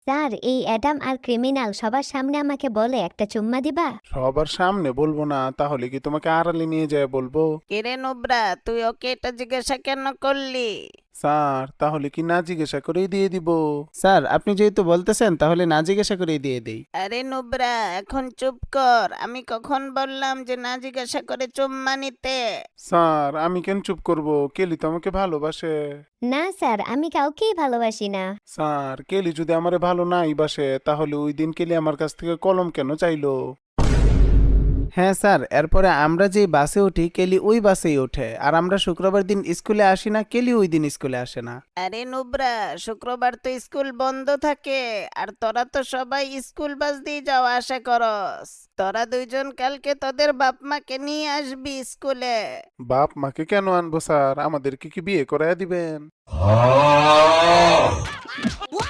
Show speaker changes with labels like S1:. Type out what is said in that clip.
S1: Sir, এই Adam আর criminal সবার সামনে আমাকে বলে একটা চুম্মা দিবা।
S2: সবার সামনে বলবো না, তাহলে কি তোমাকে আড়ালে নিয়ে যায় বলবো?
S3: কিরে নুব্রা, তুই ওকে এটা জিজ্ঞাসা কেন করলি?
S2: স্যার, তাহলে কি না জিজ্ঞাসা করেই দিয়ে দিব?
S4: স্যার, আপনি যেহেতু বলতেছেন তাহলে না জিজ্ঞাসা করেই দিয়ে দেই।
S3: আরে নুব্রা, এখন চুপ কর। আমি কখন বললাম যে না জিজ্ঞাসা করে চুম্মা নিতে?
S2: স্যার, আমি কেন চুপ করব? কেলি তো আমাকে ভালোবাসে।
S1: না স্যার, আমি কাউকেই ভালোবাসি না।
S2: স্যার, কেলি যদি আমারে ভালো নাই বাসে, তাহলে ওই দিন কেলি আমার কাছ থেকে কলম কেন চাইলো?
S4: হ্যাঁ স্যার, এরপরে আমরা যেই বাসে উঠি কেলি ওই বাসেই ওঠে, আর আমরা শুক্রবার দিন স্কুলে আসি না, কেলি ওই দিন স্কুলে আসে না।
S3: আরে নুব্রা, শুক্রবার তো স্কুল বন্ধ থাকে, আর তোরা তো সবাই স্কুল বাস দিয়ে যাওয়া আসা করস। তোরা দুইজন কালকে তোদের বাপ মাকে নিয়ে আসবি স্কুলে।
S2: বাপ মাকে কেন আনবো স্যার? আমাদেরকে কি বিয়ে করায় দিবেন?